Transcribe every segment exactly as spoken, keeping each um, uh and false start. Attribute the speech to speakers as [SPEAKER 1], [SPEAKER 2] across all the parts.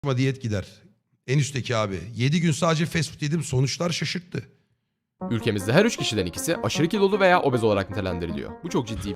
[SPEAKER 1] diyet gider. En üstteki abi. yedi gün sadece fast food yedim, sonuçlar şaşırttı.
[SPEAKER 2] Ülkemizde her üç kişiden ikisi aşırı kilolu veya obez olarak nitelendiriliyor. Bu çok ciddi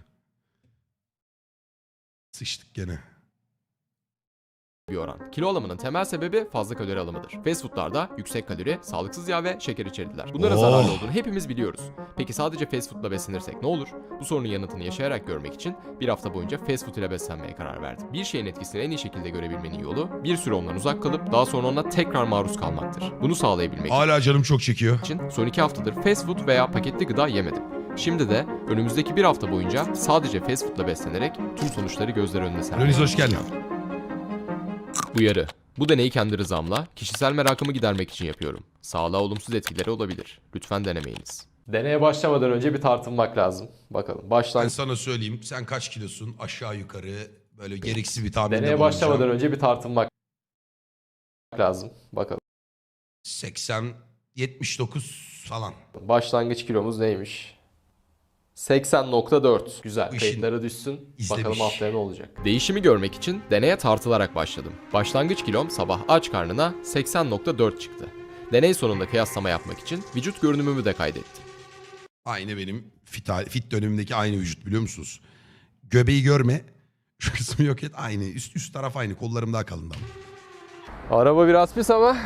[SPEAKER 1] Sıçtık gene.
[SPEAKER 2] bir oran. Kilo alımının temel sebebi fazla kalori alımıdır. Fast foodlarda yüksek kalori, sağlıksız yağ ve şeker içerdiler. Bunların
[SPEAKER 1] Oh.
[SPEAKER 2] zararlı olduğunu hepimiz biliyoruz. Peki sadece fast foodla beslenirsek ne olur? Bu sorunun yanıtını yaşayarak görmek için bir hafta boyunca fast food ile beslenmeye karar verdim. Bir şeyin etkisini en iyi şekilde görebilmenin yolu bir süre ondan uzak kalıp daha sonra ona tekrar maruz kalmaktır. Bunu sağlayabilmek
[SPEAKER 1] Hala canım çok çekiyor.
[SPEAKER 2] için son iki haftadır fast food veya paketli gıda yemedim. Şimdi de önümüzdeki bir hafta boyunca sadece fast foodla beslenerek tüm sonuçları gözler önüne serdim.
[SPEAKER 1] Loniz hoş geldin.
[SPEAKER 2] Uyarı. Bu deneyi kendi rızamla, kişisel merakımı gidermek için yapıyorum. Sağlığa olumsuz etkileri olabilir. Lütfen denemeyiniz. Deneye başlamadan önce bir tartınmak lazım. Bakalım.
[SPEAKER 1] Ben
[SPEAKER 2] Baştan
[SPEAKER 1] sana söyleyeyim. Sen kaç kilosun? Aşağı yukarı böyle gereksiz bir tahminde
[SPEAKER 2] Deneye
[SPEAKER 1] bulunacağım.
[SPEAKER 2] başlamadan önce bir tartınmak lazım. Bakalım.
[SPEAKER 1] seksen yetmiş dokuz falan.
[SPEAKER 2] Başlangıç kilomuz neymiş? seksen nokta dört. Güzel.
[SPEAKER 1] Bu işin
[SPEAKER 2] Kayıtlara düşsün.
[SPEAKER 1] izlemiş.
[SPEAKER 2] Bakalım haftaya ne olacak? Değişimi görmek için deneye tartılarak başladım. Başlangıç kilom sabah aç karnına seksen nokta dört çıktı. Deney sonunda kıyaslama yapmak için vücut görünümümü de kaydettim.
[SPEAKER 1] Aynı benim fit, fit dönemimdeki aynı vücut, biliyor musunuz? Göbeği görme. Şu kısmı yok et. Aynı. Üst, üst taraf aynı. Kollarım daha kalın ama.
[SPEAKER 2] Araba biraz pis ama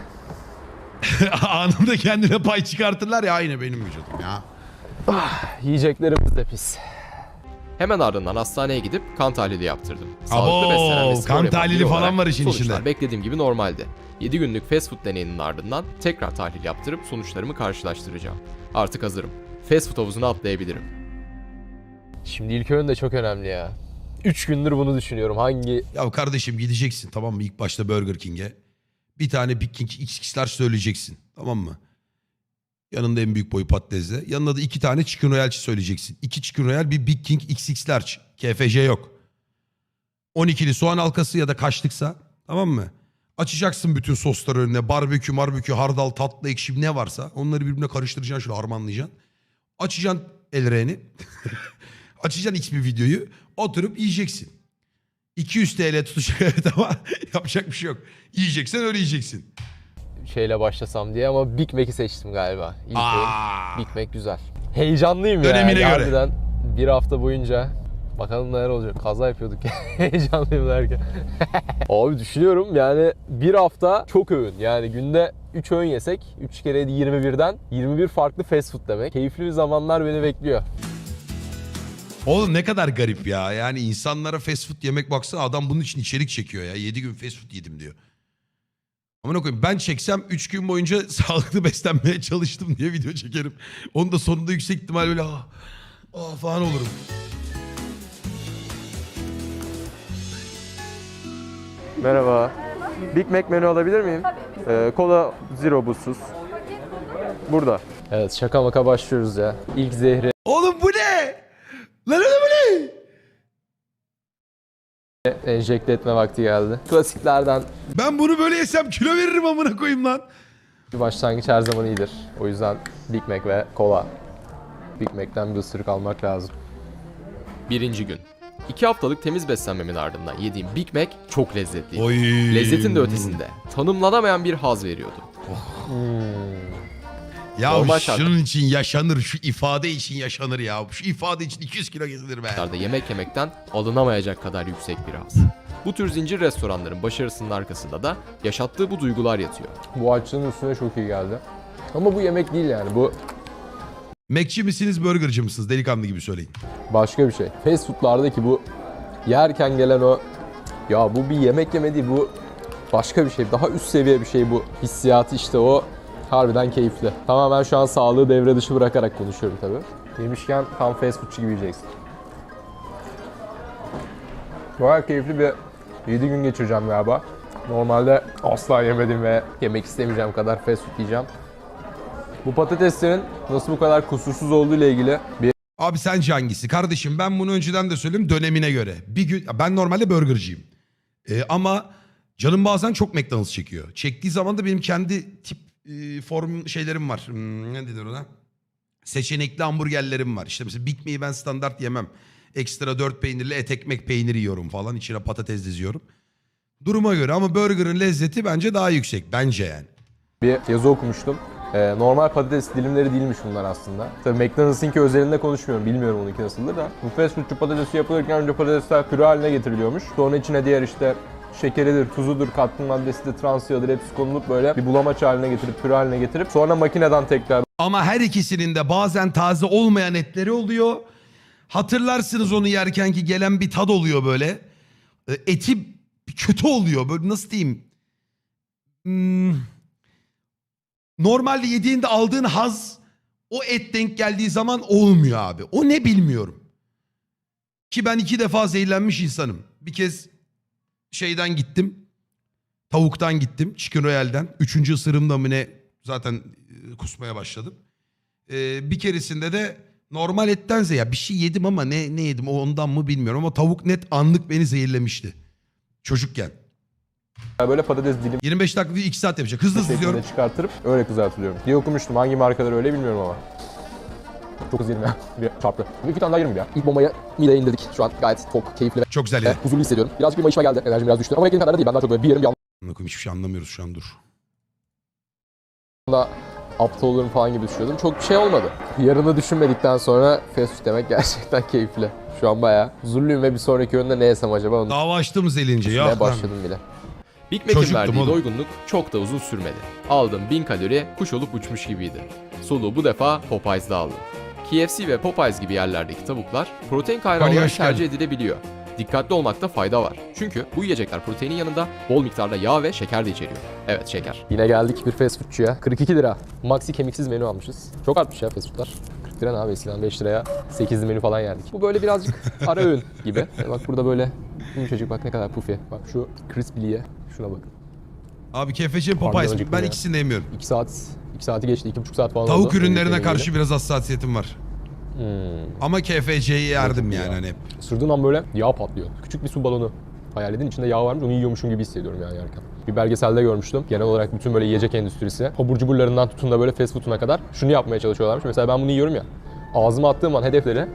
[SPEAKER 1] Anında kendine pay çıkartırlar ya, aynı benim vücudum ya.
[SPEAKER 2] yiyeceklerimiz de pis. Hemen ardından hastaneye gidip kan tahlili yaptırdım.
[SPEAKER 1] Abo,
[SPEAKER 2] beslenen ve spor
[SPEAKER 1] kan
[SPEAKER 2] yapan
[SPEAKER 1] tahlili
[SPEAKER 2] biri
[SPEAKER 1] falan
[SPEAKER 2] olarak
[SPEAKER 1] var işin
[SPEAKER 2] sonuçlar
[SPEAKER 1] içinde.
[SPEAKER 2] beklediğim gibi normaldi. yedi günlük fast food deneyinin ardından tekrar tahlil yaptırıp sonuçlarımı karşılaştıracağım. Artık hazırım. Fast food havuzuna atlayabilirim. Şimdi ilk öğün de çok önemli ya. üç gündür bunu düşünüyorum. Hangi
[SPEAKER 1] Ya kardeşim gideceksin, tamam mı, ilk başta Burger King'e. Bir tane Big King X X'ler söyleyeceksin, tamam mı? Yanında en büyük boy patatesle. Yanında da iki tane Chicken Royale söyleyeceksin. İki Chicken Royale, bir Big King X X Large. K F C yok. on ikili soğan halkası ya da kaçlıksa, tamam mı? Açacaksın bütün sosları önüne. Barbekü, marbekü, hardal, tatlı, ekşi ne varsa. Onları birbirine karıştıracaksın, şöyle harmanlayacaksın. Açacaksın el reyni. Açacaksın X bir videoyu. Oturup yiyeceksin. iki yüz T L tutacak evet ama yapacak bir şey yok. Yiyeceksen öyle yiyeceksin.
[SPEAKER 2] şeyle başlasam diye ama Big Mac'i seçtim galiba. İlk
[SPEAKER 1] Aa.
[SPEAKER 2] öğün Big Mac güzel. Heyecanlıyım ya.
[SPEAKER 1] Dönemine göre.
[SPEAKER 2] Harbiden bir hafta boyunca bakalım neler olacak. Kaza yapıyorduk ya. Heyecanlıyım derken. Abi düşünüyorum yani bir hafta çok öğün. Yani günde üç öğün yesek üç kere yirmi birden yirmi bir farklı fast food demek. Keyifli bir zamanlar beni bekliyor.
[SPEAKER 1] Oğlum ne kadar garip ya. Yani insanlara fast food yemek, baksana adam bunun için içerik çekiyor ya. yedi gün fast food yedim diyor. Amına koyayım, ben çeksem üç gün boyunca sağlıklı beslenmeye çalıştım diye video çekerim. Onun da sonunda yüksek ihtimal böyle ah, ah falan olurum.
[SPEAKER 2] Merhaba. Big Mac menü alabilir miyim? Ee, kola zero buzsuz. Burada. Evet şaka maka başlıyoruz ya. İlk zehri
[SPEAKER 1] Oğlum bu ne? Lan oğlum bu ne?
[SPEAKER 2] enjekte etme vakti geldi. Klasiklerden
[SPEAKER 1] Ben bunu böyle yesem kilo veririm amına koyayım lan.
[SPEAKER 2] bir başlangıç her zaman iyidir. O yüzden Big Mac ve kola. Big Mac'ten bir ısırık almak lazım. Birinci gün. İki haftalık temiz beslenmemin ardından yediğim Big Mac çok lezzetliydi.
[SPEAKER 1] Oy.
[SPEAKER 2] Lezzetin de ötesinde tanımlanamayan bir haz veriyordu.
[SPEAKER 1] Ya
[SPEAKER 2] Normal
[SPEAKER 1] şunun için yaşanır, şu ifade için yaşanır ya. Şu ifade için iki yüz kilo gezilir be.
[SPEAKER 2] Şartlarda yemek yemekten alınamayacak kadar yüksek bir haz. Bu tür zincir restoranların başarısının arkasında da yaşattığı bu duygular yatıyor. Bu açlığın üstüne çok iyi geldi. Ama bu yemek değil yani bu
[SPEAKER 1] Mac'ci misiniz, burgerci misiniz? Delikanlı gibi söyleyin.
[SPEAKER 2] başka bir şey. Fast foodlardaki bu yerken gelen o ya bu bir yemek yeme değil bu başka bir şey. Daha üst seviye bir şey bu hissiyatı işte o harbiden keyifli. Tamamen şu an sağlığı devre dışı bırakarak konuşuyorum tabii. Yemişken tam fast foodçu gibi yiyeceksin. Bayağı keyifli bir yedi gün geçireceğim galiba. Normalde asla yemedim ve yemek istemeyeceğim kadar fast food yiyeceğim. Bu patateslerin nasıl bu kadar kusursuz olduğu ile ilgili bir
[SPEAKER 1] Abi sence hangisi? Kardeşim ben bunu önceden de söyleyeyim, dönemine göre. Bir gün ben normalde burgerciyim. Ee, ama canım bazen çok McDonald's çekiyor. Çektiği zaman da benim kendi tip e, form şeylerim var. Hmm, ne denir ona? Seçenekli hamburgerlerim var. İşte mesela Big Mac'i ben standart yemem. Ekstra dört peynirli et ekmek peyniri yiyorum falan. İçine patates diziyorum. Duruma göre ama burgerın lezzeti bence daha yüksek. Bence yani.
[SPEAKER 2] Bir yazı okumuştum. Ee, normal patates dilimleri değilmiş bunlar aslında. Tabii McDonald's'ınki özelinde konuşmuyorum. Bilmiyorum onunki nasıldır da. Bu fast foodçu patatesi yapılırken önce patatesler püre haline getiriliyormuş. Sonra içine diğer işte şekeridir, tuzudur, katkı maddesidir, trans yağıdır hepsi konulup böyle bir bulamaç haline getirip püre haline getirip sonra makineden tekrar
[SPEAKER 1] Ama her ikisinin de bazen taze olmayan etleri oluyor. Hatırlarsınız onu yerken ki gelen bir tad oluyor böyle. E, Eti kötü oluyor. Böyle nasıl diyeyim? Hmm. Normalde yediğinde aldığın haz o et denk geldiği zaman olmuyor abi. O ne bilmiyorum. Ki ben iki defa zehirlenmiş insanım. Bir kez şeyden gittim. Tavuktan gittim. Chicken Royale'den. Üçüncü ısırımda mı ne zaten e, kusmaya başladım. Ee, bir keresinde de normal ettense ya bir şey yedim ama ne ne yedim o ondan mı bilmiyorum ama tavuk net anlık beni zehirlemişti. Çocukken.
[SPEAKER 2] böyle patates dilim
[SPEAKER 1] yirmi beş dakika değil iki saat yapacak. Hızlı hızlı
[SPEAKER 2] şeklinde
[SPEAKER 1] diyorum.
[SPEAKER 2] çıkartırıp öyle kızartılıyorum diye okumuştum. Hangi markalar öyle bilmiyorum ama. Çok hızlı yedim ya. Bir çarptı. İki tane daha yerim ya. İlk bombayı mideye indirdik. Şu an gayet tok, keyifli ve
[SPEAKER 1] Çok güzel
[SPEAKER 2] e,
[SPEAKER 1] ya.
[SPEAKER 2] huzurlu hissediyorum. Birazcık bir mayışma geldi. Enerjim biraz düştü. Ama beklediğim kadar da değil. Ben daha çok böyle bir yerim bir
[SPEAKER 1] Amına koyayım, hiçbir şey anlamıyoruz şu an, dur.
[SPEAKER 2] anda aptal olurum falan gibi düşünüyordum. Çok bir şey olmadı. Yarını düşünmedikten sonra fast food demek gerçekten keyifli. Şu an bayağı huzurluyum ve bir sonraki öğünde ne yesem acaba onu
[SPEAKER 1] Dava açtığımız elince ya.
[SPEAKER 2] düşünmeye başladım bile.
[SPEAKER 3] Big Mac'in
[SPEAKER 1] Çocuktum
[SPEAKER 3] verdiği
[SPEAKER 1] oğlum.
[SPEAKER 3] doygunluk çok da uzun sürmedi. Aldığım bin kalori kuş olup uçmuş gibiydi. Soluğu bu defa Popeyes'da aldım. K F C ve Popeyes gibi yerlerdeki tavuklar protein kaynağı
[SPEAKER 1] Hani
[SPEAKER 3] olarak
[SPEAKER 1] hoş
[SPEAKER 3] tercih
[SPEAKER 1] geldin.
[SPEAKER 3] edilebiliyor. Dikkatli olmakta fayda var. Çünkü bu yiyecekler proteinin yanında bol miktarda yağ ve şeker de içeriyor. Evet, şeker.
[SPEAKER 2] Yine geldik bir fast foodçuya. kırk iki lira. Maxi kemiksiz menü almışız. Çok artmış ya fast foodlar. kırk lira ne abi, eskiden beş liraya sekizli menü falan yerdik. Bu böyle birazcık ara öğün gibi. E bak burada böyle yumuşacık, bak ne kadar pufi. Bak şu crispy'liye şuna bakın.
[SPEAKER 1] Abi K F C
[SPEAKER 2] Harbiden
[SPEAKER 1] Popeyes
[SPEAKER 2] acıktım
[SPEAKER 1] ben
[SPEAKER 2] ya.
[SPEAKER 1] ikisini de yemiyorum.
[SPEAKER 2] iki saat, iki saati geçti, iki buçuk saat falan oldu.
[SPEAKER 1] Tavuk ürünlerine
[SPEAKER 2] Yemeğiyle.
[SPEAKER 1] karşı biraz hassasiyetim var.
[SPEAKER 2] Hmm.
[SPEAKER 1] Ama K F C'yi yerdim
[SPEAKER 2] ya.
[SPEAKER 1] yani hani.
[SPEAKER 2] Isırdığım an böyle yağ patlıyor. Küçük bir su balonu hayal edin. İçinde yağ varmış, onu yiyormuşum gibi hissediyorum yani yerken. Bir belgeselde görmüştüm. Genel olarak bütün böyle yiyecek endüstrisi, abur cuburlarından tutun da böyle fast food'una kadar şunu yapmaya çalışıyorlarmış. Mesela ben bunu yiyorum ya, ağzıma attığım an hedefleri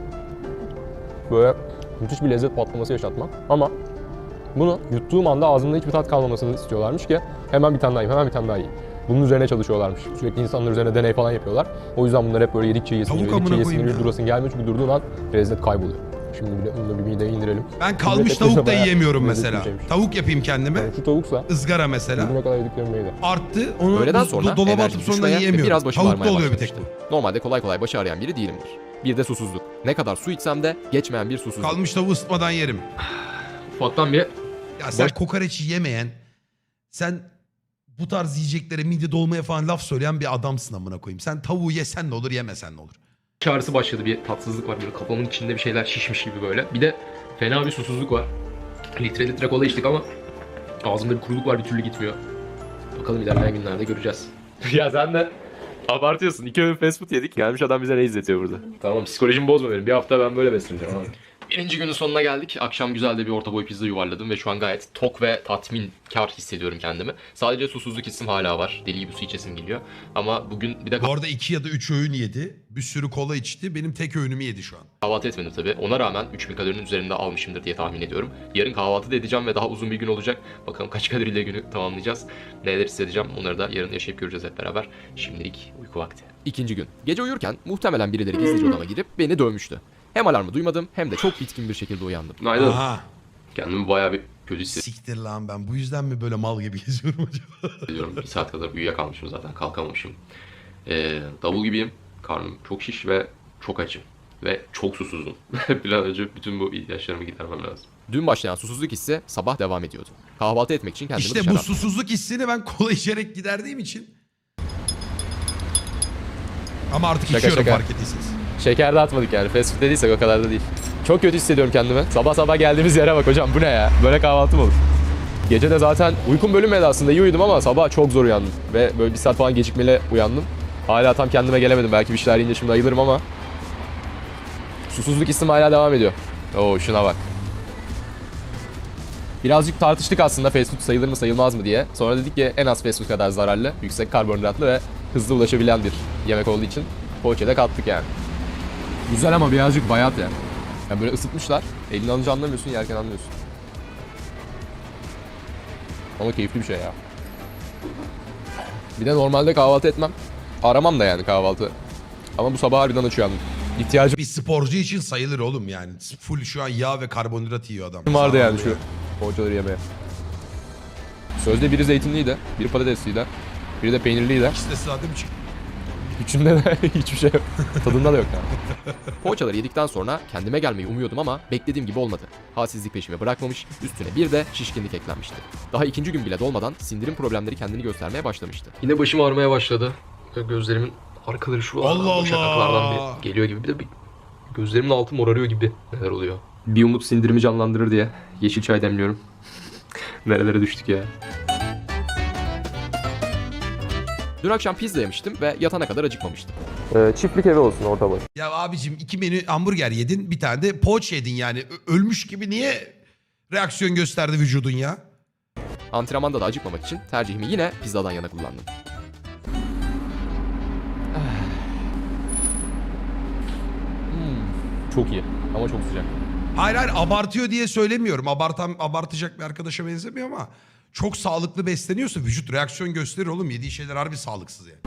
[SPEAKER 2] böyle müthiş bir lezzet patlaması yaşatmak. Ama bunu yuttuğum anda ağzımda hiçbir tat kalmamasını istiyorlarmış ki hemen bir tane daha yiyeyim, hemen bir tane daha yiyeyim. Bunun üzerine çalışıyorlarmış. Sürekli insanlar üzerine deney falan yapıyorlar. O yüzden bunlar hep böyle yedikçe yesin,
[SPEAKER 1] Tavuk
[SPEAKER 2] geliyor, yedikçe
[SPEAKER 1] amına
[SPEAKER 2] yesin,
[SPEAKER 1] koyayım
[SPEAKER 2] geliyor,
[SPEAKER 1] ya.
[SPEAKER 2] durasın gelmiyor çünkü durduğun an lezzet kayboluyor. Şimdi bile bunu da bir mideye indirelim.
[SPEAKER 1] Ben kalmış
[SPEAKER 2] Lezzet
[SPEAKER 1] tavuk da
[SPEAKER 2] bayağı
[SPEAKER 1] yiyemiyorum
[SPEAKER 2] lezzetli
[SPEAKER 1] mesela.
[SPEAKER 2] bir şeymiş.
[SPEAKER 1] Tavuk yapayım kendime.
[SPEAKER 2] Yani şu tavuksa
[SPEAKER 1] Izgara mesela.
[SPEAKER 2] bugüne kadar yediklerim neydi?
[SPEAKER 1] Arttı. Onu
[SPEAKER 3] Öğleden
[SPEAKER 1] buz-
[SPEAKER 3] sonra
[SPEAKER 1] dolaba
[SPEAKER 3] enerjim
[SPEAKER 1] atıp sonra
[SPEAKER 3] düşmeye ve
[SPEAKER 1] yiyemiyorum.
[SPEAKER 3] biraz başım
[SPEAKER 1] Tavukta
[SPEAKER 3] ağrımaya
[SPEAKER 1] oluyor bir tek bu.
[SPEAKER 3] başlamıştı. Normalde kolay kolay başı ağrıyan biri değilimdir. Bir de susuzluk. Ne kadar su içsem de geçmeyen bir susuzluk.
[SPEAKER 1] Kalmış tavuğu ısıtmadan yerim.
[SPEAKER 3] Ufaktan bir
[SPEAKER 1] Ya sen
[SPEAKER 3] Baş-
[SPEAKER 1] kokoreç yemeyen, sen bu tarz yiyeceklere mide dolmaya falan laf söyleyen bir adamsın amına koyayım. Sen tavuğu yesen ne olur, yemesen ne olur.
[SPEAKER 4] Çağrısı başladı, bir tatsızlık var, böyle kafamın içinde bir şeyler şişmiş gibi böyle. Bir de fena bir susuzluk var. Litre litre kola içtik ama ağzımda bir kuruluk var, bir türlü gitmiyor. Bakalım ilerleyen günlerde göreceğiz.
[SPEAKER 5] Ya sen de abartıyorsun. İki öğün fast food yedik. Gelmiş adam bize ne izletiyor burada.
[SPEAKER 4] Tamam, psikolojimi bozma benim. Bir hafta ben böyle besleneceğim abi.
[SPEAKER 3] Birinci günün sonuna geldik. Akşam güzel de bir orta boy pizza yuvarladım ve şu an gayet tok ve tatminkar hissediyorum kendimi. Sadece susuzluk hissim hala var. Deli gibi su içesim geliyor. Ama bugün bir de
[SPEAKER 1] Bu arada iki ya da üç öğün yedi. Bir sürü kola içti. Benim tek öğünümü yedi şu an.
[SPEAKER 3] kahvaltı etmedim tabii. Ona rağmen üç bin kalorinin üzerinde almışımdır diye tahmin ediyorum. Yarın kahvaltı da edeceğim ve daha uzun bir gün olacak. Bakalım kaç kaloriyle günü tamamlayacağız. Neler hissedeceğim, onları da yarın yaşayıp göreceğiz hep beraber. Şimdilik uyku vakti. İkinci gün. Gece uyurken muhtemelen birileri gizlice odama girip beni dövmüştü. Hem alarmı duymadım hem de çok bitkin bir şekilde uyandım.
[SPEAKER 4] Günaydın.
[SPEAKER 1] Aha.
[SPEAKER 4] Kendimi bayağı bir kötü
[SPEAKER 1] Siktir lan, ben bu yüzden mi böyle mal gibi geziyorum acaba?
[SPEAKER 4] hissediyorum. Bir saat kadar uyuyakalmışım zaten, kalkamamışım. Ee, davul gibiyim. Karnım çok şiş ve çok açım. Ve çok susuzum. Bir an önce bütün bu ihtiyaçlarımı gidermem lazım.
[SPEAKER 3] Dün başlayan susuzluk hissi sabah devam ediyordu. Kahvaltı etmek için kendimi
[SPEAKER 1] İşte
[SPEAKER 3] dışarı
[SPEAKER 1] bu
[SPEAKER 3] attım.
[SPEAKER 1] susuzluk hissini ben kola içerek giderdiğim için. Ama artık
[SPEAKER 2] Şaka
[SPEAKER 1] içiyorum
[SPEAKER 2] şaka.
[SPEAKER 1] fark ettiyseniz.
[SPEAKER 2] Şeker de atmadık yani. Fast food dediysek o kadar da değil. Çok kötü hissediyorum kendimi. Sabah sabah geldiğimiz yere bak hocam, bu ne ya? Böyle kahvaltı mı olur? Gece de zaten uykum bölünmedi aslında. İyi uyudum ama sabah çok zor uyandım. Ve böyle bir saat falan gecikmeyle uyandım. Hala tam kendime gelemedim. Belki bir şeyler yiyince şimdi ayılırım ama susuzluk hissim hala devam ediyor. Oo şuna bak. Birazcık tartıştık aslında fast food sayılır mı sayılmaz mı diye. Sonra dedik ki en az fast food kadar zararlı, yüksek karbonhidratlı ve hızlı ulaşabilen bir yemek olduğu için poğaçaya kattık yani. Güzel ama birazcık bayat ya. Yani böyle ısıtmışlar. Elini alınca anlamıyorsun, yerken anlıyorsun. Ama keyifli bir şey ya. Bir de normalde kahvaltı etmem. Aramam da yani kahvaltı. Ama bu sabah harbiden aç uyandım. İhtiyacım
[SPEAKER 1] Bir sporcu için sayılır oğlum yani. Full şu an yağ ve karbonhidrat yiyor adam.
[SPEAKER 2] vardı yani
[SPEAKER 1] Sağlam
[SPEAKER 2] şu poğaçaları yemeye. Sözde biri zeytinliydi, biri patatesliydi, biri de peynirliydi.
[SPEAKER 1] İkisi de sade mi çıktı?
[SPEAKER 2] Üçünde de hiçbir şey yok. Tadında da yok yani.
[SPEAKER 3] Poğaçaları yedikten sonra kendime gelmeyi umuyordum ama beklediğim gibi olmadı. Halsizlik peşimi bırakmamış, üstüne bir de şişkinlik eklenmişti. Daha ikinci gün bile dolmadan sindirim problemleri kendini göstermeye başlamıştı.
[SPEAKER 4] Yine başım ağrımaya başladı. Gözlerimin arkaları şu
[SPEAKER 1] Allah Allah!
[SPEAKER 4] şakaklardan bir geliyor gibi. Bir de bir gözlerimin altı morarıyor gibi neler oluyor. Bir umut sindirimi canlandırır diye yeşil çay demliyorum. Nerelere düştük ya.
[SPEAKER 3] Dün akşam pizza yemiştim ve yatana kadar acıkmamıştım.
[SPEAKER 2] Ee, çiftlik evi olsun orta boy.
[SPEAKER 1] Ya abicim iki menü hamburger yedin, bir tane de poğaça yedin yani. Ö- ölmüş gibi niye reaksiyon gösterdi vücudun ya?
[SPEAKER 3] Antrenmanda da acıkmamak için tercihimi yine pizzadan yana kullandım.
[SPEAKER 2] Çok iyi ama çok sıcak.
[SPEAKER 1] Hayır hayır abartıyor diye söylemiyorum. Abartan, abartacak bir arkadaşa benzemiyor ama çok sağlıklı besleniyorsa vücut reaksiyon gösterir oğlum. Yediği şeyler harbi sağlıksız yani.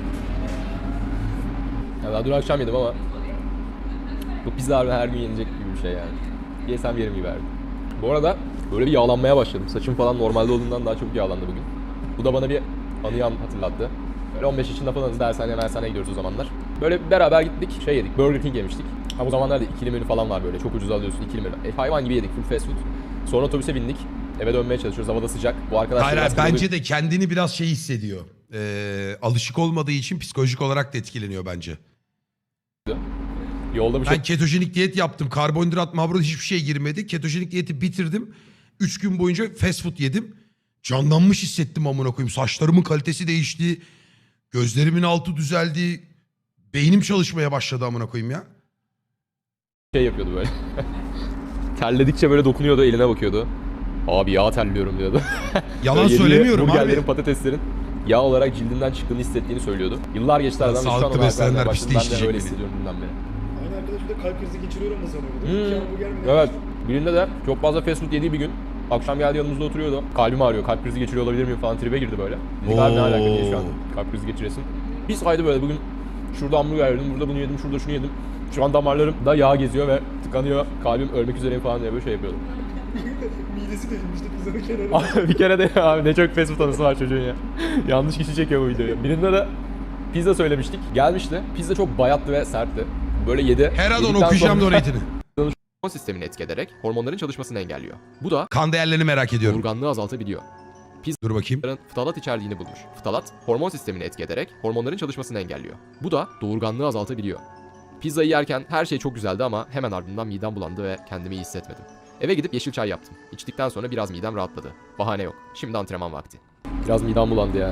[SPEAKER 2] Ya daha dün akşam yedim ama bu pizza harbi her gün yenecek gibi bir şey yani. Yesem yerim gibi verdim. Bu arada böyle bir yağlanmaya başladım. Saçım falan normalde olduğundan daha çok yağlandı bugün. Bu da bana bir anıyı hatırlattı. Böyle on beş yaşında falanız, dershaneye dershaneye gidiyoruz o zamanlar. Böyle beraber gittik, şey yedik, Burger King yemiştik. Ama o zamanlarda ikili menü falan var böyle, çok ucuz alıyorsun ikili menü. E, hayvan gibi yedik, full fast food. Sonra otobüse bindik, eve dönmeye çalışıyoruz, havada sıcak. Bu arkadaşlar
[SPEAKER 1] Hayır hayır
[SPEAKER 2] biraz
[SPEAKER 1] bence de kendini biraz şey hissediyor. Ee, alışık olmadığı için psikolojik olarak da etkileniyor bence.
[SPEAKER 2] yolda bir şey
[SPEAKER 1] Ben ketojenik diyet yaptım. Karbonhidrat, marbonhidrat hiçbir şey girmedi. Ketojenik diyeti bitirdim. Üç gün boyunca fast food yedim. Canlanmış hissettim amına koyayım. Saçlarımın kalitesi değişti. Gözlerimin altı düzeldi. Beynim çalışmaya başladı amına koyayım ya.
[SPEAKER 2] şey yapıyordu böyle. Terledikçe böyle dokunuyordu, eline bakıyordu. Abi yağ terliyorum diyordu.
[SPEAKER 1] Yalan
[SPEAKER 2] Yediği
[SPEAKER 1] söylemiyorum
[SPEAKER 2] burgerlerin,
[SPEAKER 1] abi.
[SPEAKER 2] patateslerin yağ olarak cildinden çıktığını hissettiğini söylüyordu. Yıllar geçti aradan ve şu an
[SPEAKER 1] Sağlıklı
[SPEAKER 2] ona
[SPEAKER 1] beslenenler
[SPEAKER 2] vermeye
[SPEAKER 1] pis
[SPEAKER 2] başladım. Ben de
[SPEAKER 1] değiştirecek
[SPEAKER 2] öyle
[SPEAKER 1] beni.
[SPEAKER 2] hissediyorum dünden beri.
[SPEAKER 6] Aynı arkadaş bir de kalp krizi geçiriyorum da sanıyordu.
[SPEAKER 2] Hmm.
[SPEAKER 6] İki hamburger mi ne
[SPEAKER 2] Evet.
[SPEAKER 6] yemiştim?
[SPEAKER 2] Birinde de çok fazla fast food yediği bir gün akşam geldi yanımızda oturuyordu. Kalbim ağrıyor, kalp krizi geçiriyor olabilir miyim falan tribe girdi böyle. Dedik abi ne alaka diye şu an kalp krizi geçiresin. Bir saydı böyle bugün şurada hamburger yedim, burada bunu yedim, şurada şunu yedim. Şu an damarlarımda yağ geziyor ve tıkanıyor. Kalbim ölmek üzereyim falan diye böyle şey yapıyordu.
[SPEAKER 6] Midesi delinmişti pizzanın kenarında.
[SPEAKER 2] Abi bir kere de abi ne çok fast food anısı var çocuğun ya. Yanlış kişi çekiyor bu videoyu. Birinde de pizza söylemiştik. Gelmişti. Pizza çok bayattı ve sertti. Böyle yedi.
[SPEAKER 1] Her an
[SPEAKER 2] Yedikten
[SPEAKER 1] okuyacağım
[SPEAKER 2] sonra-
[SPEAKER 1] donate'ini.
[SPEAKER 3] Hormon sistemini etki ederek hormonların çalışmasını engelliyor. Bu da
[SPEAKER 1] Kan değerlerini merak ediyorum.
[SPEAKER 3] doğurganlığı azaltabiliyor.
[SPEAKER 1] Dur bakayım.
[SPEAKER 3] Pizzaların ftalat içerdiğini bulmuş. Ftalat, hormon sistemini etki ederek hormonların çalışmasını engelliyor. Bu da doğurganlığı azaltabiliyor. Pizzayı yerken her şey çok güzeldi ama hemen ardından midem bulandı ve kendimi iyi hissetmedim. Eve gidip yeşil çay yaptım. İçtikten sonra biraz midem rahatladı. Bahane yok. Şimdi antrenman vakti.
[SPEAKER 2] Biraz midem bulandı ya.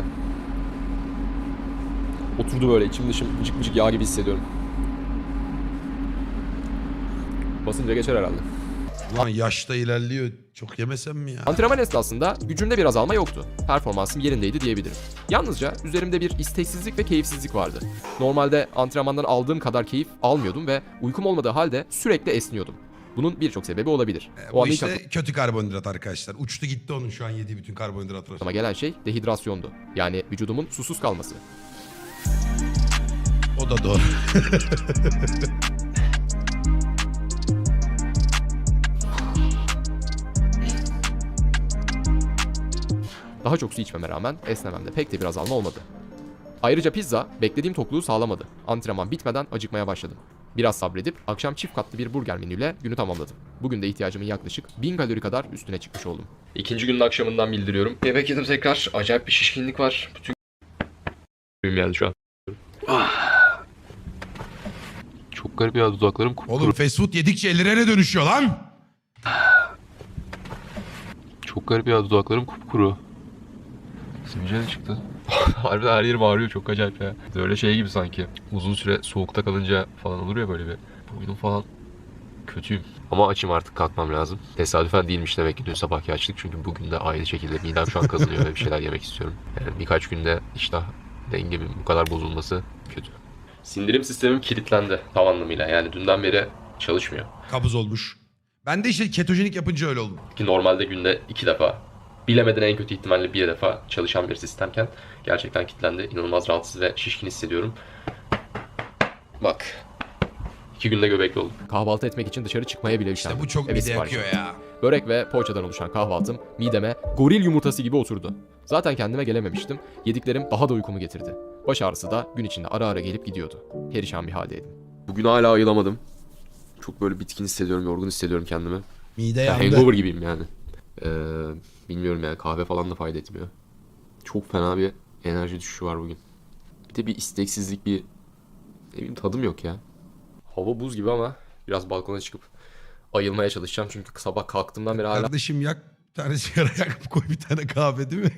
[SPEAKER 2] Oturdu böyle içim dışım vıcık vıcık yağ gibi hissediyorum. Basınca geçer herhalde.
[SPEAKER 1] Lan yaşta ilerliyor. Çok yemesem mi ya?
[SPEAKER 3] Antrenman esnasında gücümde bir azalma yoktu. Performansım yerindeydi diyebilirim. Yalnızca üzerimde bir isteksizlik ve keyifsizlik vardı. Normalde antrenmandan aldığım kadar keyif almıyordum ve uykum olmadığı halde sürekli esniyordum. Bunun birçok sebebi olabilir.
[SPEAKER 1] E,
[SPEAKER 3] O
[SPEAKER 1] Bu
[SPEAKER 3] anda ilk
[SPEAKER 1] işte kötü karbonhidrat arkadaşlar. Uçtu gitti onun şu an yediği bütün karbonhidratlar.
[SPEAKER 3] aklıma gelen şey dehidrasyondu. Yani vücudumun susuz kalması.
[SPEAKER 1] O da doğru.
[SPEAKER 3] Daha çok su içmeme rağmen esnememde pek de bir azalma olmadı. Ayrıca pizza beklediğim tokluğu sağlamadı. Antrenman bitmeden acıkmaya başladım. Biraz sabredip akşam çift katlı bir burger menüyle günü tamamladım. Bugün de ihtiyacımın yaklaşık bin kalori kadar üstüne çıkmış oldum.
[SPEAKER 4] İkinci günün akşamından bildiriyorum. Yemek yedim tekrar. Acayip bir şişkinlik var. Bütün gün yani şu an. Çok garip ya, dudaklarım kupkuru.
[SPEAKER 1] Oğlum fast food yedikçe ellerine dönüşüyor lan.
[SPEAKER 4] Çok garip ya, dudaklarım kupkuru. Sivilce çıktı. Harbiden her yerim ağrıyor, çok acayip ya. Böyle şey gibi sanki. Uzun süre soğukta kalınca falan olur ya böyle bir. Boynum falan kötüyüm. Ama açım, artık kalkmam lazım. Tesadüfen değilmiş demek ki dün sabahki açlık. Çünkü bugün de aynı şekilde midem şu an kazınıyor ve bir şeyler yemek istiyorum. Yani birkaç günde iştah dengemin bu kadar bozulması kötü. Sindirim sistemim kilitlendi tam anlamıyla. Yani dünden beri çalışmıyor.
[SPEAKER 1] Kabız olmuş. Ben de işte ketojenik yapınca öyle oldum.
[SPEAKER 4] Ki normalde günde iki defa
[SPEAKER 3] bilemeden en kötü ihtimalle bir defa çalışan bir sistemken gerçekten kilitlendi. İnanılmaz rahatsız ve şişkin hissediyorum. Bak. iki günde göbekli oldum.
[SPEAKER 4] Kahvaltı etmek için dışarı çıkmaya bile üşendim.
[SPEAKER 1] İşte bu çok
[SPEAKER 4] Eve
[SPEAKER 1] mide
[SPEAKER 4] sipariş
[SPEAKER 1] yakıyor
[SPEAKER 4] ettim.
[SPEAKER 1] ya.
[SPEAKER 4] Börek ve poğaçadan oluşan kahvaltım mideme goril yumurtası gibi oturdu. Zaten kendime gelememiştim. Yediklerim daha da uykumu getirdi. Baş ağrısı da gün içinde ara ara gelip gidiyordu. Perişan bir haldeydim.
[SPEAKER 3] Bugün hala ayılamadım. Çok böyle bitkin hissediyorum, yorgun hissediyorum kendimi.
[SPEAKER 1] Mide
[SPEAKER 3] Ya
[SPEAKER 1] yandı.
[SPEAKER 3] hangover gibiyim yani. Ee, bilmiyorum yani kahve falan da fayda etmiyor. Çok fena bir enerji düşüşü var bugün. Bir de bir isteksizlik, bir ne bileyim tadım yok ya. Hava buz gibi ama biraz balkona çıkıp ayılmaya çalışacağım. Çünkü sabah kalktığımdan beri hala
[SPEAKER 1] Kardeşim yak bir tane sigara yak koy bir tane kahve değil mi?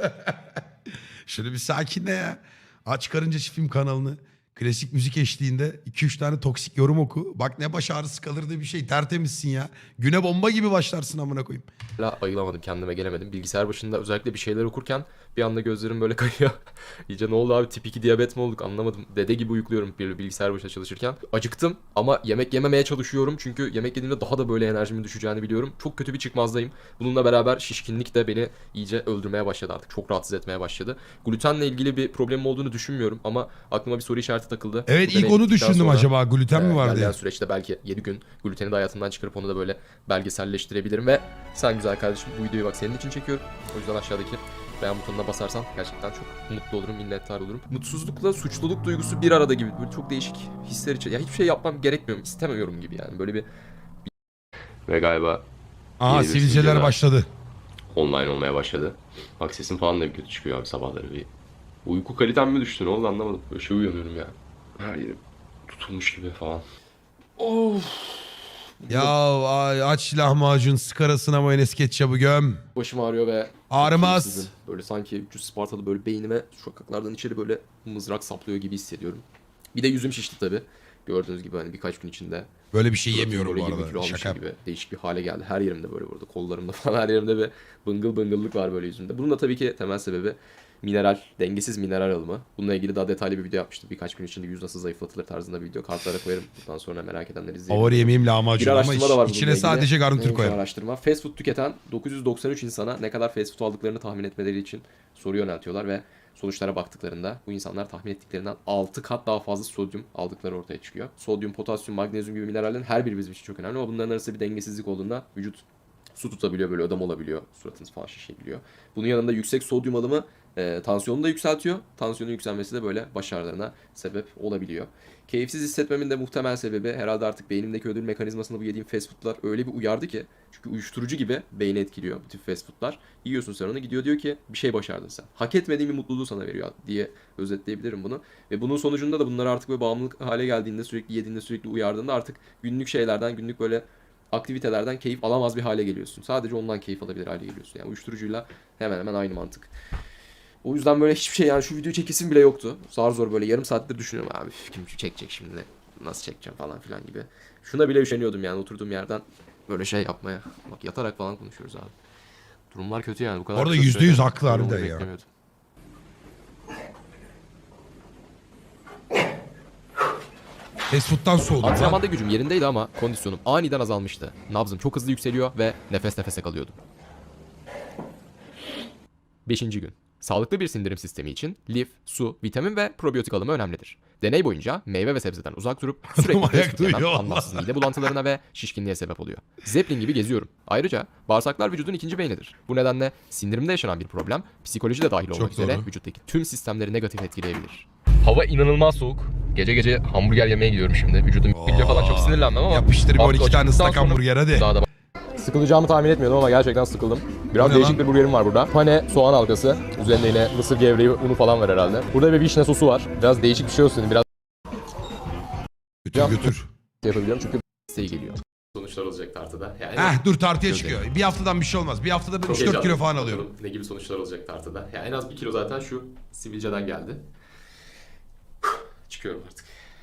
[SPEAKER 1] Şöyle bir sakinle ya. Aç karınca film kanalını. Klasik müzik eşliğinde iki üç tane toksik yorum oku. Bak ne baş ağrısı kalır diye bir şey. Tertemizsin ya. Güne bomba gibi başlarsın amına koyayım.
[SPEAKER 3] Hala ayılamadım, kendime gelemedim. Bilgisayar başında özellikle bir şeyler okurken bir anda gözlerim böyle kayıyor. İyice ne oldu abi, tip iki diyabet mi olduk anlamadım. Dede gibi uyukluyorum bir bilgisayar başında çalışırken. Acıktım ama yemek yememeye çalışıyorum. Çünkü yemek yediğimde daha da böyle enerjimin düşeceğini biliyorum. Çok kötü bir çıkmazdayım. Bununla beraber şişkinlik de beni iyice öldürmeye başladı artık. Çok rahatsız etmeye başladı. Glutenle ilgili bir problemim olduğunu düşünmüyorum ama aklıma bir soru işareti takıldı.
[SPEAKER 1] Evet,
[SPEAKER 3] Bu
[SPEAKER 1] ilk
[SPEAKER 3] deney
[SPEAKER 1] onu
[SPEAKER 3] bittikten
[SPEAKER 1] düşündüm,
[SPEAKER 3] sonra,
[SPEAKER 1] acaba gluten mi
[SPEAKER 3] e,
[SPEAKER 1] var
[SPEAKER 3] ilerleyen
[SPEAKER 1] diye.
[SPEAKER 3] süreçte belki yedi gün gluteni de hayatımdan çıkarıp onu da böyle belgeselleştirebilirim ve sen güzel kardeşim bu videoyu bak senin için çekiyorum. O yüzden aşağıdaki beğen butonuna basarsan gerçekten çok mutlu olurum, minnettar olurum. Mutsuzlukla suçluluk duygusu bir arada gibi. Böyle çok değişik hisler için. Ya hiçbir şey yapmam gerekmiyor, istemiyorum gibi yani. Böyle bir... Ve galiba
[SPEAKER 1] Aha,
[SPEAKER 3] yeni bir
[SPEAKER 1] sivilceler
[SPEAKER 3] videoda
[SPEAKER 1] başladı.
[SPEAKER 3] online olmaya başladı. Bak sesim falan da kötü çıkıyor abi sabahları. Bir uyku kalitem mi düştü, ne oldu anlamadım. Böyle şey uyanıyorum ya. Her yerim tutulmuş gibi falan. Of.
[SPEAKER 1] Ya ay, aç lahmacun sıkarasına mayonez ketçabı göm.
[SPEAKER 3] Başım ağrıyor ve
[SPEAKER 1] Ağrımaz.
[SPEAKER 3] keyifsizim. Böyle sanki üç yüz Spartalı böyle beynime sokaklardan içeri böyle mızrak saplıyor gibi hissediyorum. Bir de yüzüm şişti tabii. Gördüğünüz gibi hani birkaç gün içinde.
[SPEAKER 1] Böyle bir şey
[SPEAKER 3] suratım
[SPEAKER 1] yemiyorum
[SPEAKER 3] böyle
[SPEAKER 1] bu
[SPEAKER 3] yirmi kilo
[SPEAKER 1] arada.
[SPEAKER 3] almışım
[SPEAKER 1] Şaka.
[SPEAKER 3] gibi değişik bir hale geldi. Her yerimde böyle burada kollarımda falan her yerimde bir bıngıl bıngıllık var böyle yüzümde. Bunun da tabii ki temel sebebi mineral, dengesiz mineral alımı. Bununla ilgili daha detaylı bir video yapmıştım. Birkaç gün içinde yüz nasıl zayıflatılır tarzında bir video. Kartlara koyarım. Bundan sonra merak edenler izleyebilir.
[SPEAKER 1] Favori yemeğim
[SPEAKER 3] Bir
[SPEAKER 1] lahmacun ama
[SPEAKER 3] araştırma da var
[SPEAKER 1] iç- içine
[SPEAKER 3] bununla
[SPEAKER 1] sadece
[SPEAKER 3] ilgili.
[SPEAKER 1] garnitür
[SPEAKER 3] Neymiş o
[SPEAKER 1] koyarım.
[SPEAKER 3] araştırma? Fast food tüketen dokuz yüz doksan üç insana ne kadar fast food aldıklarını tahmin etmeleri için soru yöneltiyorlar ve sonuçlara baktıklarında bu insanlar tahmin ettiklerinden altı kat daha fazla sodyum aldıkları ortaya çıkıyor. Sodyum, potasyum, magnezyum gibi minerallerin her biri bizim için çok önemli ama bunların arasında bir dengesizlik olduğunda vücut su tutabiliyor, böyle ödem olabiliyor, suratınız falan şişebiliyor. Bunun yanında yüksek sodyum alımı e, tansiyonu da yükseltiyor. Tansiyonun yükselmesi de böyle baş ağrılarına sebep olabiliyor. Keyifsiz hissetmemin de muhtemel sebebi herhalde artık beynimdeki ödül mekanizmasında bu yediğim fast foodlar öyle bir uyardı ki. Çünkü uyuşturucu gibi beyni etkiliyor bu tip fast foodlar. Yiyorsun sen onu, gidiyor diyor ki bir şey başardın sen. Hak etmediğin bir mutluluğu sana veriyor diye özetleyebilirim bunu. Ve bunun sonucunda da bunlar artık böyle bağımlılık hale geldiğinde, sürekli yediğinde, sürekli uyardığında artık günlük şeylerden, günlük böyle aktivitelerden keyif alamaz bir hale geliyorsun. Sadece ondan keyif alabilir hale geliyorsun. Yani uyuşturucuyla hemen hemen aynı mantık. O yüzden böyle hiçbir şey, yani şu videoyu çekesim bile yoktu. Zar zor böyle yarım saattir düşünüyorum abi kim çekecek şimdi, nasıl çekeceğim falan filan gibi. Şuna bile üşeniyordum yani oturduğum yerden böyle şey yapmaya. Bak yatarak falan konuşuyoruz abi. Durumlar kötü yani bu kadar.
[SPEAKER 1] Orada
[SPEAKER 3] kısa
[SPEAKER 1] yüzde yüz
[SPEAKER 3] sürede
[SPEAKER 1] haklı
[SPEAKER 3] böyle
[SPEAKER 1] harbiden
[SPEAKER 3] olmayı
[SPEAKER 1] ya.
[SPEAKER 3] beklemiyordum.
[SPEAKER 1] Fast food'dan soğudum lan.
[SPEAKER 4] Antrenmanda gücüm yerindeydi ama kondisyonum aniden azalmıştı. Nabzım çok hızlı yükseliyor ve nefes nefese kalıyordum. Beşinci gün. Sağlıklı bir sindirim sistemi için lif, su, vitamin ve probiyotik alımı önemlidir. Deney boyunca meyve ve sebzeden uzak durup sürekli
[SPEAKER 1] ayak
[SPEAKER 4] fast food yemem
[SPEAKER 1] duyuyor
[SPEAKER 4] anlamsız mide bulantılarına ve şişkinliğe sebep oluyor. Zeppelin gibi geziyorum. Ayrıca bağırsaklar vücudun ikinci beynidir. Bu nedenle sindirimde yaşanan bir problem psikoloji de dahil olmak
[SPEAKER 1] Çok
[SPEAKER 4] üzere
[SPEAKER 1] doğru.
[SPEAKER 4] vücuttaki tüm sistemleri negatif etkileyebilir.
[SPEAKER 3] Hava inanılmaz soğuk. Gece gece hamburger yemeye gidiyorum şimdi. Vücudum biliyor falan, çok sinirlenmem ama.
[SPEAKER 1] Yapıştır bir on iki
[SPEAKER 3] Artık
[SPEAKER 1] tane
[SPEAKER 3] açtıktan
[SPEAKER 1] ıslak
[SPEAKER 3] sonra
[SPEAKER 1] hamburger hadi.
[SPEAKER 3] Daha da
[SPEAKER 2] Sıkılacağımı tahmin etmiyordum ama gerçekten sıkıldım. Biraz
[SPEAKER 1] Bu ne
[SPEAKER 2] değişik
[SPEAKER 1] lan?
[SPEAKER 2] bir burgerim var burada. Pane soğan halkası. Üzerinde yine mısır gevreği, unu falan var herhalde. Burada bir vişne sosu var. Biraz değişik bir şey olsun. Biraz
[SPEAKER 1] Götür götür.
[SPEAKER 2] yapabiliyorum çünkü
[SPEAKER 4] İsteği geliyor.
[SPEAKER 3] sonuçlar olacak tartıda. Yani
[SPEAKER 1] Heh dur tartıya
[SPEAKER 3] Gözlerim.
[SPEAKER 1] çıkıyor. Bir haftadan bir şey olmaz. Bir haftada ben
[SPEAKER 3] çok
[SPEAKER 1] üç dört kilo
[SPEAKER 3] heyecanlıyım.
[SPEAKER 1] falan alıyorum.
[SPEAKER 3] Bakalım ne gibi sonuçlar olacak tartıda. Yani en az bir kilo zaten şu sivilceden geldi. Çıkıyorum artık.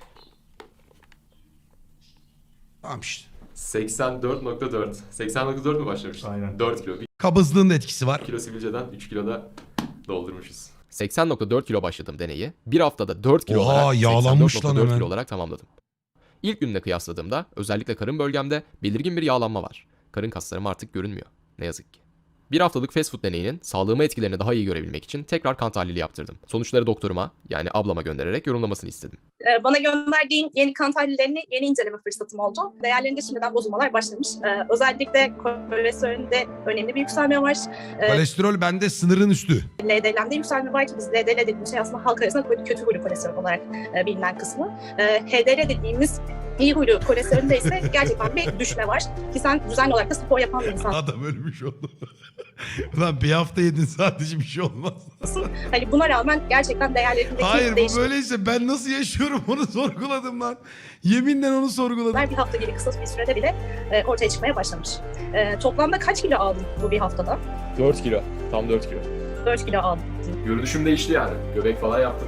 [SPEAKER 1] Tamam işte.
[SPEAKER 3] seksen dört nokta dört. seksen nokta dört mü başlamıştık?
[SPEAKER 6] Aynen.
[SPEAKER 3] dört kilo. bir
[SPEAKER 1] Kabızlığın da etkisi var.
[SPEAKER 3] kilo sivilceden üç kilo da doldurmuşuz.
[SPEAKER 4] seksen nokta dört kilo başladığım deneyi bir haftada dört kilo
[SPEAKER 1] Oha,
[SPEAKER 4] olarak
[SPEAKER 1] yağlanmış
[SPEAKER 4] seksen dört nokta
[SPEAKER 1] lan
[SPEAKER 4] dört
[SPEAKER 1] hemen.
[SPEAKER 4] kilo olarak tamamladım. İlk günle kıyasladığımda özellikle karın bölgemde belirgin bir yağlanma var. Karın kaslarım artık görünmüyor. Ne yazık ki.
[SPEAKER 3] Bir haftalık fast food deneyinin sağlığıma etkilerini daha iyi görebilmek için tekrar kan tahlili yaptırdım. Sonuçları doktoruma yani ablama göndererek yorumlamasını istedim.
[SPEAKER 7] Ee, Bana gönderdiğin yeni kan tahlillerini yeni inceleme fırsatım oldu. Değerlerinde şimdiden bozulmalar başlamış. Ee, özellikle kolesterolünde önemli bir yükselme var. Ee,
[SPEAKER 1] Kolesterol bende sınırın üstü.
[SPEAKER 7] L D L'de yükselme var ki biz L D L dediğimiz şey aslında halk arasında böyle kötü huylu kolesterol olarak e, bilinen kısmı. E, H D L dediğimiz iyi huylu kolesterolünde ise gerçekten bir düşme var. Ki sen düzenli olarak da spor yapan bir insansın.
[SPEAKER 1] Adam ölmüş oldu. Ulan bir hafta yedin sadece bir şey olmaz.
[SPEAKER 7] Hani buna rağmen gerçekten değerlerindeki
[SPEAKER 1] Hayır bu
[SPEAKER 7] değişimler
[SPEAKER 1] böyleyse ben nasıl yaşıyorum onu sorguladım lan. Yeminle onu sorguladım.
[SPEAKER 7] bir hafta gibi kısa bir sürede bile e, ortaya çıkmaya başlamış. E, toplamda kaç kilo aldın bu bir haftada?
[SPEAKER 5] dört kilo. Tam dört kilo.
[SPEAKER 7] dört kilo aldım.
[SPEAKER 5] Görünüşüm değişti yani. Göbek falan yaptım.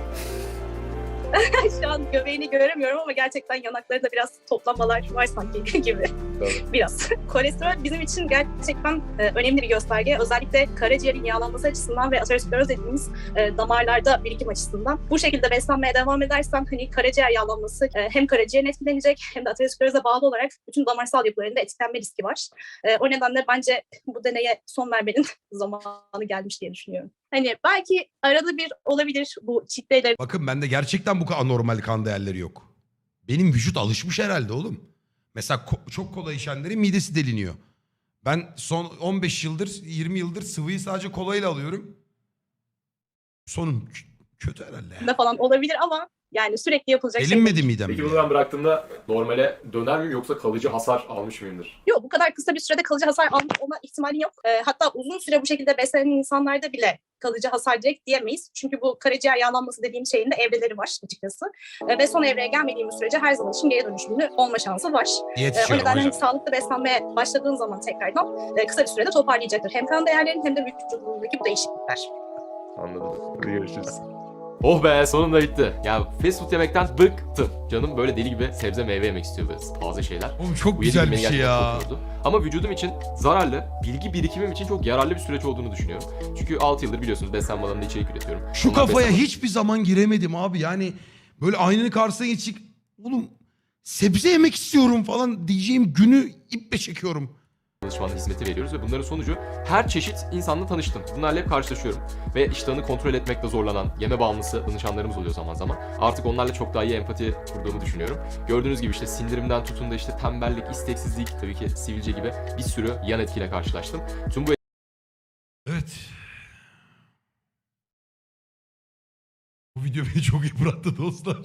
[SPEAKER 7] Şu an göbeğini göremiyorum ama gerçekten yanaklarında biraz toplanmalar var sanki gibi.
[SPEAKER 5] Tabii.
[SPEAKER 7] Biraz. Kolesterol bizim için gerçekten e, önemli bir gösterge. Özellikle karaciğerin yağlanması açısından ve ateroskleroz dediğimiz e, damarlarda birikim açısından. Bu şekilde beslenmeye devam edersen hani karaciğer yağlanması e, hem karaciğerin etkilenecek hem de ateroskleroza bağlı olarak bütün damarsal yapılarında etkilenme riski var. E, o nedenle bence bu deneye son vermenin zamanı gelmiş diye düşünüyorum. Hani belki arada bir olabilir bu cheat day'ler.
[SPEAKER 1] Bakın bende gerçekten bu kadar anormal kan değerleri yok. Benim vücut alışmış herhalde oğlum. Mesela ko- çok kola içenlerin midesi deliniyor. Ben son on beş yıldır yirmi yıldır sıvıyı sadece kolayla alıyorum. Sonum k- kötü herhalde. ya.
[SPEAKER 7] falan olabilir ama yani sürekli yapılacak şey
[SPEAKER 1] Delinmedi
[SPEAKER 7] değil.
[SPEAKER 1] midem.
[SPEAKER 5] Peki
[SPEAKER 1] bile.
[SPEAKER 5] bunu ben bıraktığımda normale döner miyim yoksa kalıcı hasar almış mıyımdır?
[SPEAKER 7] Yok, bu kadar kısa bir sürede kalıcı hasar alma ihtimali yok. Ee, hatta uzun süre bu şekilde beslenen insanlarda bile kalıcı hasar direkt diyemeyiz. Çünkü bu karaciğer yağlanması dediğim şeyin de evreleri var açıkçası. Ee, ve son evreye gelmediğimiz sürece her zaman için geri dönüşümlü olma şansı var.
[SPEAKER 1] Diyet
[SPEAKER 7] Ee, o
[SPEAKER 1] içiyorum
[SPEAKER 7] nedenle
[SPEAKER 1] hocam.
[SPEAKER 7] hani sağlıklı beslenmeye başladığın zaman tekrardan e, kısa bir sürede toparlayacaktır. Hem kan değerlerin hem de vücudundaki bu değişiklikler.
[SPEAKER 5] Anladım. Hadi görüşürüz. Oh be sonunda bitti. Ya fast food yemekten bıktım. Canım böyle deli gibi sebze meyve yemek istiyor böyle taze şeyler.
[SPEAKER 1] Oğlum çok
[SPEAKER 5] Bu
[SPEAKER 1] güzel
[SPEAKER 5] yedi
[SPEAKER 1] bir
[SPEAKER 5] beni
[SPEAKER 1] şey
[SPEAKER 5] gerçekten
[SPEAKER 1] ya.
[SPEAKER 5] çok yordu. Ama vücudum için zararlı, bilgi birikimim için çok yararlı bir süreç olduğunu düşünüyorum. Çünkü altı yıldır biliyorsunuz beslenme alanında içerik üretiyorum.
[SPEAKER 1] Şu
[SPEAKER 5] Onlar
[SPEAKER 1] kafaya
[SPEAKER 5] beslenme-
[SPEAKER 1] hiçbir zaman giremedim abi. Yani böyle aynanın karşısına geçik. Oğlum sebze yemek istiyorum falan diyeceğim günü iple çekiyorum.
[SPEAKER 5] danışmanlık hizmeti veriyoruz ve bunların sonucu her çeşit insanla tanıştım. Bunlarla hep karşılaşıyorum. Ve iştahını kontrol etmekte zorlanan, yeme bağımlısı danışanlarımız oluyor zaman zaman. Artık onlarla çok daha iyi empati kurduğumu düşünüyorum. Gördüğünüz gibi işte sindirimden tutun da işte tembellik, isteksizlik, tabii ki sivilce gibi bir sürü yan etkiyle karşılaştım. Tüm bu
[SPEAKER 1] Evet. Bu video beni çok yıprattı dostlar.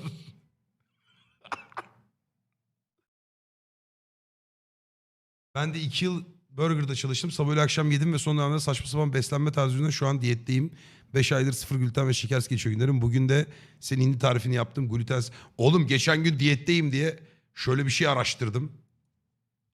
[SPEAKER 1] Ben de iki yıl Burger'da çalıştım. Sabah öğle akşam yedim ve son dönemde saçma sapan beslenme tarzı yüzünden şu an diyetteyim. beş aydır sıfır gluten ve şekersiz geçiyor günlerim. Bugün de senin hindi tarifini yaptım. Glutensiz. Oğlum geçen gün diyetteyim diye şöyle bir şey araştırdım.